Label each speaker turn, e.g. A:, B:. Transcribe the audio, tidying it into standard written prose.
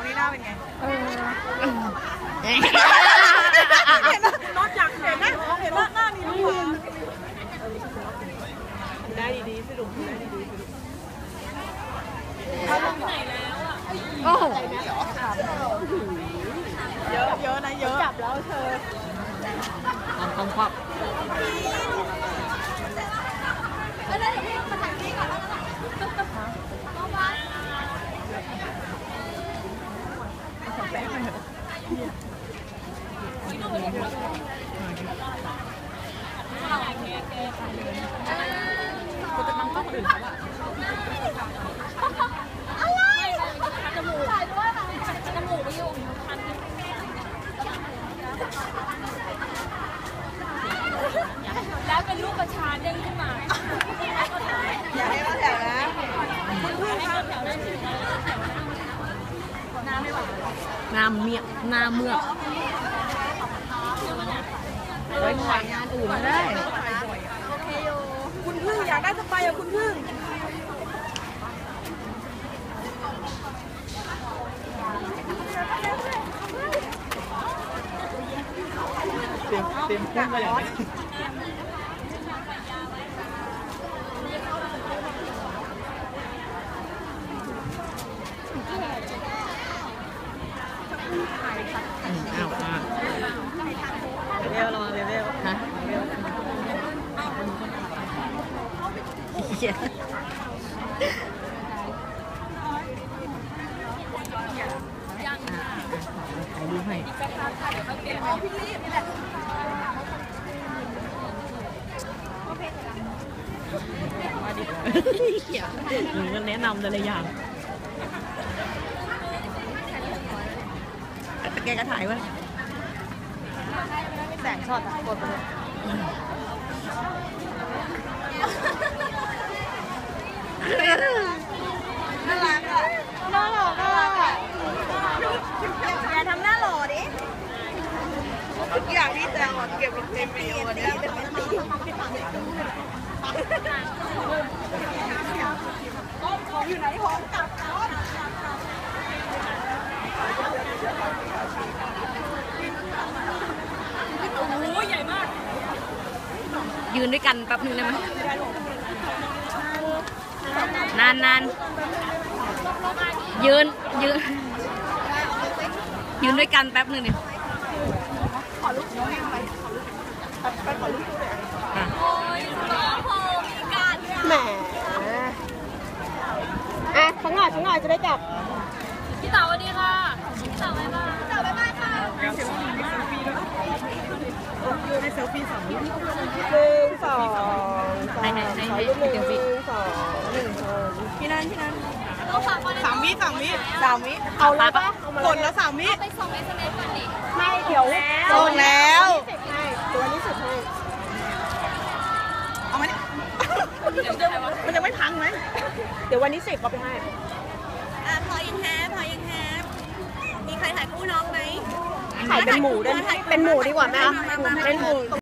A: นี่หน้าเป็นไงนอกจากเห็นหน้าหน้ามีลูกได้ดีๆสรุปได้ดีๆเขาลงไหนแล้วอ่ะโอ้โหเยอะนะเยอะจับแล้วเธอต้องควักกูจะบังคับคนอื่นเขาอะอะไรจมูกจมูกไปอยู่คันแล้วเป็นลูกประชาเด้งขึ้นมาอย่าให้มาแถวนะคุณพึ่งครับน้ำเมียน้ำเมือกไปถ่ายงานอื่นได้คุณพึ่งอยากได้สไปอะคุณพึ่งเต็มพุ่งมาอย่างนี้เร็วระวังเร็วฮะถ่ายรูปให้มาดิหนูก็แนะนำแต่ละอย่างแกก็ถ่ายวะแสงช็อตกดไปเลยน่ารักอ่ะน่ารักอ่ะอย่าทำหน้าหล่อดิทุกอย่างที่แซวเก็บลงเต็มไปอยู่วันนี้ของอยู่ไหนของกลับโอ้ยใหญ่มากยืนด้วยกันแป๊บนึงได้ไหมนานยืนด้วยกันแป๊บนึงดิขอลูกน้องไปขอลูกโอ้ยโอ้มีการแหมข้างหน้าจะได้จับพี่เต๋าสวัสดีค่ะพี่เต๋าบ๊ายบายพี่เต๋าบ๊ายบายค่ะให้เซลฟี่2 วิ1 2 3ให้รูป1 2 1พี่นัน3 วิเอาเลยปะกดแล้ว3 วิไปส่ง SMS ก่อนดิไม่เดี๋ยวส่งแล้วตัวนี้สุดให้เอาไหมมันจะไม่พังไหมเดี๋ยววันนี้10เอาไปให้พอยังแฮปมีใครถ่ายคู่น้องไหมถ่ายเป็นหมูได้ไหมเป็นหมูดีกว่าไหมเป็นหมู